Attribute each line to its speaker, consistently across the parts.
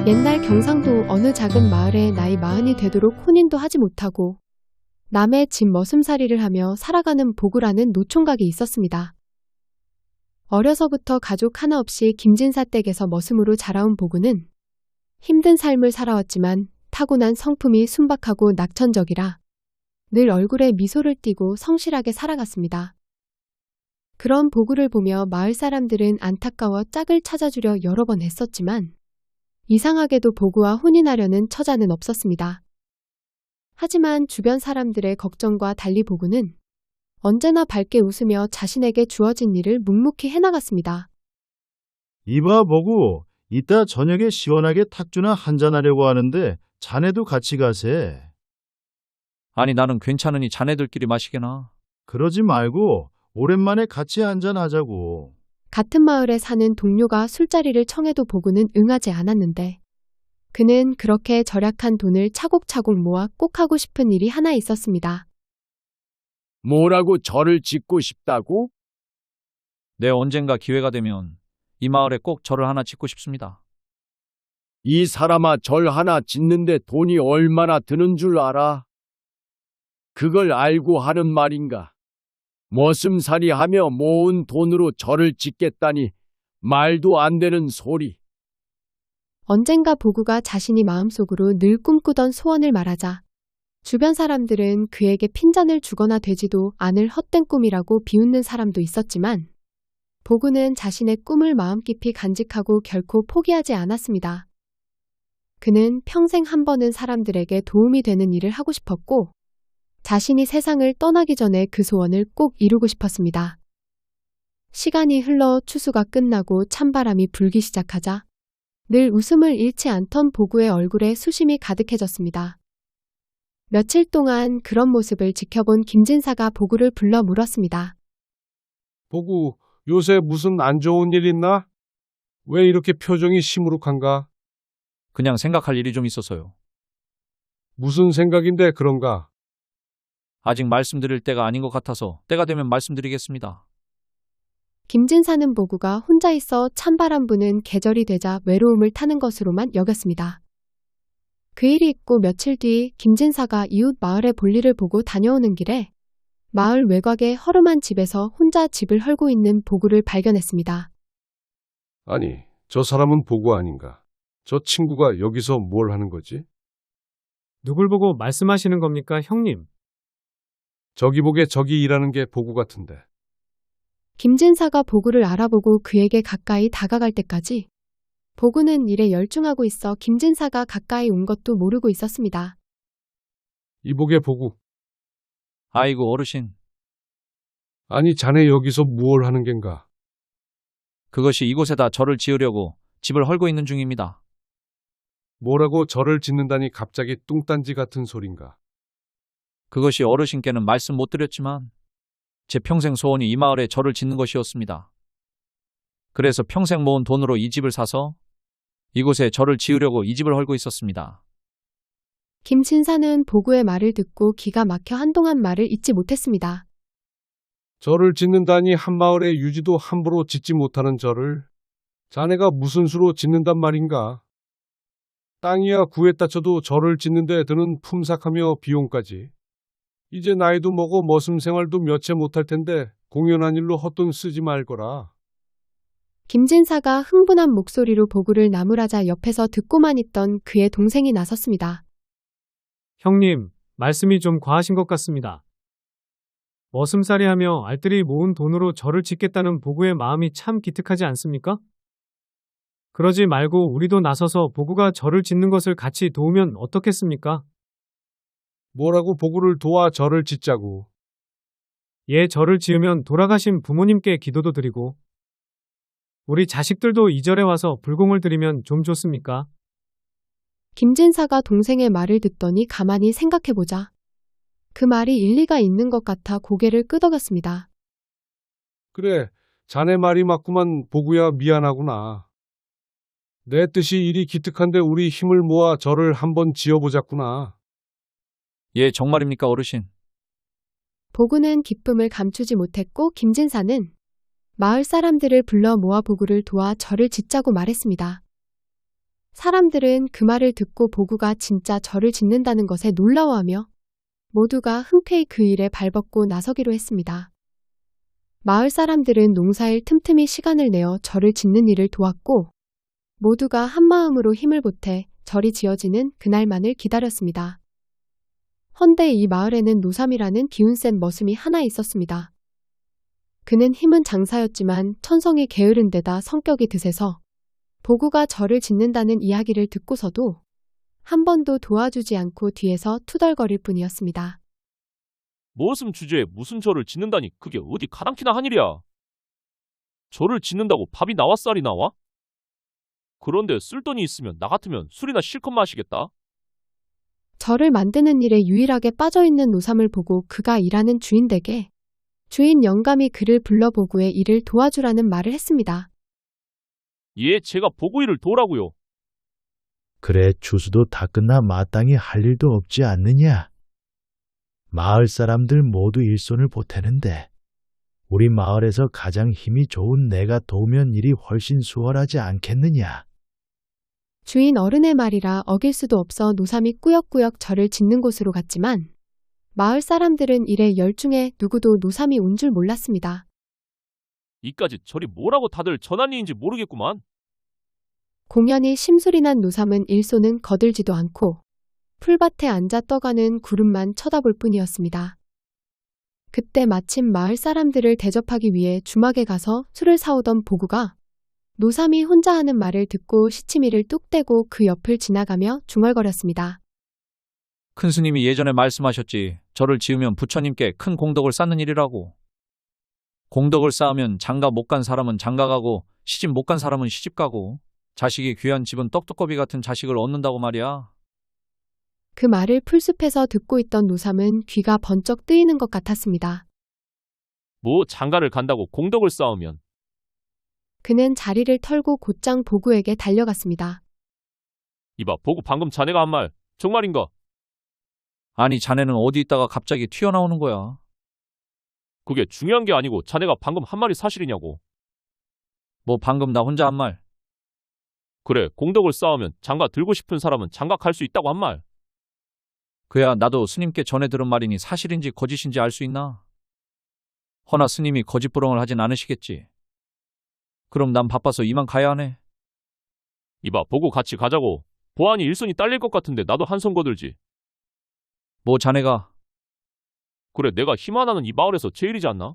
Speaker 1: 옛날 경상도 어느 작은 마을에 나이 40이 되도록 혼인도 하지 못하고 남의 집 머슴살이를 하며 살아가는 보구라는 노총각이 있었습니다. 어려서부터 가족 하나 없이 김진사 댁에서 머슴으로 자라온 보구는 힘든 삶을 살아왔지만 타고난 성품이 순박하고 낙천적이라 늘 얼굴에 미소를 띠고 성실하게 살아갔습니다. 그런 보구를 보며 마을 사람들은 안타까워 짝을 찾아주려 여러 번 애썼지만 이상하게도 보구와 혼인하려는 처자는 없었습니다. 하지만 주변 사람들의 걱정과 달리 보구는 언제나 밝게 웃으며 자신에게 주어진 일을 묵묵히 해나갔습니다.
Speaker 2: 이봐 보고 이따 저녁에 시원하게 탁주나 한잔하려고 하는데 자네도 같이 가세.
Speaker 3: 아니 나는 괜찮으니 자네들끼리 마시게나.
Speaker 2: 그러지 말고 오랜만에 같이 한잔하자고.
Speaker 1: 같은 마을에 사는 동료가 술자리를 청해도 보구는 응하지 않았는데 그는 그렇게 절약한 돈을 차곡차곡 모아 꼭 하고 싶은 일이 하나 있었습니다.
Speaker 4: 뭐라고 절을 짓고 싶다고?
Speaker 3: 내 언젠가 기회가 되면 이 마을에 꼭 절을 하나 짓고 싶습니다.
Speaker 4: 이 사람아, 절 하나 짓는데 돈이 얼마나 드는 줄 알아? 그걸 알고 하는 말인가? 머슴살이 하며 모은 돈으로 절을 짓겠다니 말도 안 되는 소리.
Speaker 1: 언젠가 보구가 자신이 마음속으로 늘 꿈꾸던 소원을 말하자 주변 사람들은 그에게 핀잔을 주거나 되지도 않을 헛된 꿈이라고 비웃는 사람도 있었지만 보구는 자신의 꿈을 마음 깊이 간직하고 결코 포기하지 않았습니다. 그는 평생 한 번은 사람들에게 도움이 되는 일을 하고 싶었고 자신이 세상을 떠나기 전에 그 소원을 꼭 이루고 싶었습니다. 시간이 흘러 추수가 끝나고 찬바람이 불기 시작하자 늘 웃음을 잃지 않던 보구의 얼굴에 수심이 가득해졌습니다. 며칠 동안 그런 모습을 지켜본 김진사가 보구를 불러 물었습니다.
Speaker 5: 보구, 요새 무슨 안 좋은 일 있나? 왜 이렇게 표정이 시무룩한가?
Speaker 3: 그냥 생각할 일이 좀 있어서요.
Speaker 5: 무슨 생각인데 그런가?
Speaker 3: 아직 말씀드릴 때가 아닌 것 같아서 때가 되면 말씀드리겠습니다.
Speaker 1: 김진사는 보구가 혼자 있어 찬바람 부는 계절이 되자 외로움을 타는 것으로만 여겼습니다. 그 일이 있고 며칠 뒤 김진사가 이웃 마을의 볼일을 보고 다녀오는 길에 마을 외곽의 허름한 집에서 혼자 집을 헐고 있는 보구를 발견했습니다.
Speaker 5: 아니, 저 사람은 보구 아닌가? 저 친구가 여기서 뭘 하는 거지?
Speaker 6: 누굴 보고 말씀하시는 겁니까, 형님?
Speaker 5: 저기 보게 저기 일하는 게 보구 같은데.
Speaker 1: 김진사가 보구를 알아보고 그에게 가까이 다가갈 때까지 보구는 일에 열중하고 있어 김진사가 가까이 온 것도 모르고 있었습니다.
Speaker 5: 이보게 보구.
Speaker 3: 아이고 어르신,
Speaker 5: 아니, 자네 여기서 무얼 하는 겐가?
Speaker 3: 그것이 이곳에다 절을 지으려고 집을 헐고 있는 중입니다.
Speaker 5: 뭐라고 절을 짓는다니 갑자기 뚱딴지 같은 소린가?
Speaker 3: 그것이 어르신께는 말씀 못 드렸지만 제 평생 소원이 이 마을에 절을 짓는 것이었습니다. 그래서 평생 모은 돈으로 이 집을 사서 이곳에 절을 지으려고 이 집을 헐고 있었습니다.
Speaker 1: 김진사는 보구의 말을 듣고 기가 막혀 한동안 말을 잇지 못했습니다.
Speaker 5: 절을 짓는다니 한마을의 유지도 함부로 짓지 못하는 절을 자네가 무슨 수로 짓는단 말인가? 땅이야 구했다 쳐도 절을 짓는데 드는 품삯하며 비용까지. 이제 나이도 먹어 머슴 생활도 몇 채 못할 텐데 공연한 일로 헛돈 쓰지 말거라.
Speaker 1: 김진사가 흥분한 목소리로 보구를 나무라자 옆에서 듣고만 있던 그의 동생이 나섰습니다.
Speaker 6: 형님, 말씀이 좀 과하신 것 같습니다. 머슴살이 하며 알뜰히 모은 돈으로 절을 짓겠다는 보구의 마음이 참 기특하지 않습니까? 그러지 말고 우리도 나서서 보구가 절을 짓는 것을 같이 도우면 어떻겠습니까?
Speaker 5: 뭐라고 보구를 도와 절을 짓자고.
Speaker 6: 예, 절을 지으면 돌아가신 부모님께 기도도 드리고 우리 자식들도 이 절에 와서 불공을 드리면 좀 좋습니까?
Speaker 1: 김진사가 동생의 말을 듣더니 가만히 생각해보자 그 말이 일리가 있는 것 같아 고개를 끄덕였습니다.
Speaker 5: 그래, 자네 말이 맞구만. 보구야, 미안하구나. 내 뜻이 이리 기특한데 우리 힘을 모아 절을 한번 지어보자꾸나.
Speaker 3: 예, 정말입니까 어르신?
Speaker 1: 보구는 기쁨을 감추지 못했고 김진사는 마을 사람들을 불러 모아 보구를 도와 절을 짓자고 말했습니다. 사람들은 그 말을 듣고 보구가 진짜 절을 짓는다는 것에 놀라워하며 모두가 흔쾌히 그 일에 발벗고 나서기로 했습니다. 마을 사람들은 농사일 틈틈이 시간을 내어 절을 짓는 일을 도왔고 모두가 한마음으로 힘을 보태 절이 지어지는 그날만을 기다렸습니다. 헌데 이 마을에는 노삼이라는 기운센 머슴이 하나 있었습니다. 그는 힘은 장사였지만 천성이 게으른 데다 성격이 드세서 보구가 절을 짓는다는 이야기를 듣고서도 한 번도 도와주지 않고 뒤에서 투덜거릴 뿐이었습니다.
Speaker 7: 머슴 주제에 무슨 절을 짓는다니 그게 어디 가당키나 한 일이야. 절을 짓는다고 밥이 나와 쌀이 나와? 그런데 쓸 돈이 있으면 나 같으면 술이나 실컷 마시겠다.
Speaker 1: 절을 만드는 일에 유일하게 빠져있는 노삼을 보고 그가 일하는 주인 댁에 주인 영감이 그를 불러 보구의 일을 도와주라는 말을 했습니다.
Speaker 7: 예, 제가 보고 일을 도우라고요.
Speaker 2: 그래, 추수도 다 끝나 마땅히 할 일도 없지 않느냐? 마을 사람들 모두 일손을 보태는데 우리 마을에서 가장 힘이 좋은 내가 도우면 일이 훨씬 수월하지 않겠느냐?
Speaker 1: 주인 어른의 말이라 어길 수도 없어 노삼이 꾸역꾸역 절을 짓는 곳으로 갔지만 마을 사람들은 일에 열중해 누구도 노삼이 온 줄 몰랐습니다.
Speaker 7: 이까지 절이 뭐라고 다들 전한 일인지 모르겠구만.
Speaker 1: 공연히 심술이 난 노삼은 일손은 거들지도 않고 풀밭에 앉아 떠가는 구름만 쳐다볼 뿐이었습니다. 그때 마침 마을 사람들을 대접하기 위해 주막에 가서 술을 사오던 보구가 노삼이 혼자 하는 말을 듣고 시치미를 뚝 떼고 그 옆을 지나가며 중얼거렸습니다.
Speaker 3: 큰 스님이 예전에 말씀하셨지. 절을 지으면 부처님께 큰 공덕을 쌓는 일이라고. 공덕을 쌓으면 장가 못 간 사람은 장가 가고 시집 못 간 사람은 시집 가고 자식이 귀한 집은 떡두꺼비 같은 자식을 얻는다고 말이야.
Speaker 1: 그 말을 풀숲에서 듣고 있던 노삼은 귀가 번쩍 뜨이는 것 같았습니다.
Speaker 7: 뭐 장가를 간다고 공덕을 쌓으면.
Speaker 1: 그는 자리를 털고 곧장 보구에게 달려갔습니다.
Speaker 7: 이봐, 보고 방금 자네가 한 말 정말인가?
Speaker 3: 아니, 자네는 어디 있다가 갑자기 튀어나오는 거야.
Speaker 7: 그게 중요한 게 아니고 자네가 방금 한 말이 사실이냐고.
Speaker 3: 뭐 방금 나 혼자 한 말.
Speaker 7: 그래, 공덕을 쌓으면 장가 들고 싶은 사람은 장가 갈 수 있다고 한 말.
Speaker 3: 그야 나도 스님께 전해 들은 말이니 사실인지 거짓인지 알 수 있나? 허나 스님이 거짓부렁을 하진 않으시겠지. 그럼 난 바빠서 이만 가야 하네.
Speaker 7: 이봐, 보고 같이 가자고. 보안이 일손이 딸릴 것 같은데 나도 한 손 거들지.
Speaker 3: 뭐 자네가.
Speaker 7: 그래, 내가 힘 하나는 이 마을에서 제일이지 않나?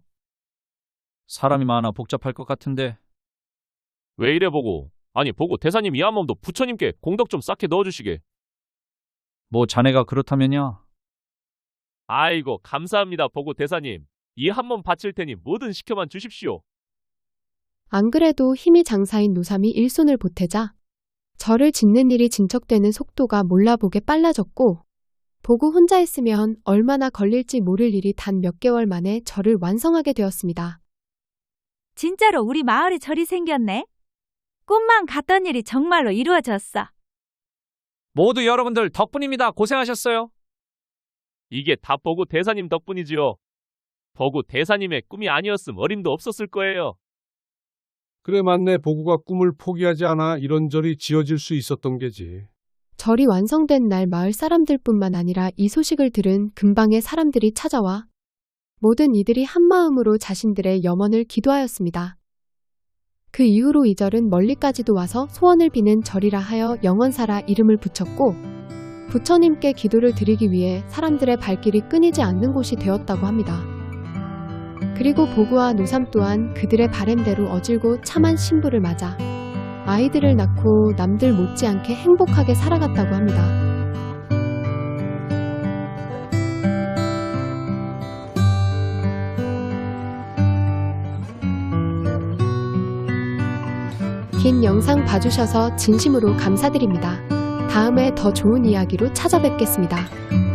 Speaker 3: 사람이 많아 복잡할 것 같은데.
Speaker 7: 왜 이래 보고. 아니, 보고 대사님 이 한 몸도 부처님께 공덕 좀 쌓게 넣어주시게.
Speaker 3: 뭐 자네가 그렇다면야.
Speaker 7: 아이고, 감사합니다, 보고 대사님. 이 한 몸 바칠 테니 뭐든 시켜만 주십시오.
Speaker 1: 안 그래도 힘이 장사인 노삼이 일손을 보태자 절을 짓는 일이 진척되는 속도가 몰라보게 빨라졌고 보고 혼자 했으면 얼마나 걸릴지 모를 일이 단 몇 개월 만에 절을 완성하게 되었습니다.
Speaker 8: 진짜로 우리 마을에 절이 생겼네. 꿈만 갔던 일이 정말로 이루어졌어.
Speaker 3: 모두 여러분들 덕분입니다. 고생하셨어요.
Speaker 7: 이게 다 보고 대사님 덕분이지요. 보고 대사님의 꿈이 아니었음 어림도 없었을 거예요.
Speaker 5: 그래 맞네. 보구가 꿈을 포기하지 않아 이런 절이 지어질 수 있었던 게지.
Speaker 1: 절이 완성된 날 마을 사람들뿐만 아니라 이 소식을 들은 근방의 사람들이 찾아와 모든 이들이 한마음으로 자신들의 염원을 기도하였습니다. 그 이후로 이 절은 멀리까지도 와서 소원을 비는 절이라 하여 영원사라 이름을 붙였고 부처님께 기도를 드리기 위해 사람들의 발길이 끊이지 않는 곳이 되었다고 합니다. 그리고 보구와 노삼 또한 그들의 바램대로 어질고 참한 신부를 맞아 아이들을 낳고 남들 못지않게 행복하게 살아갔다고 합니다. 긴 영상 봐주셔서 진심으로 감사드립니다. 다음에 더 좋은 이야기로 찾아뵙겠습니다.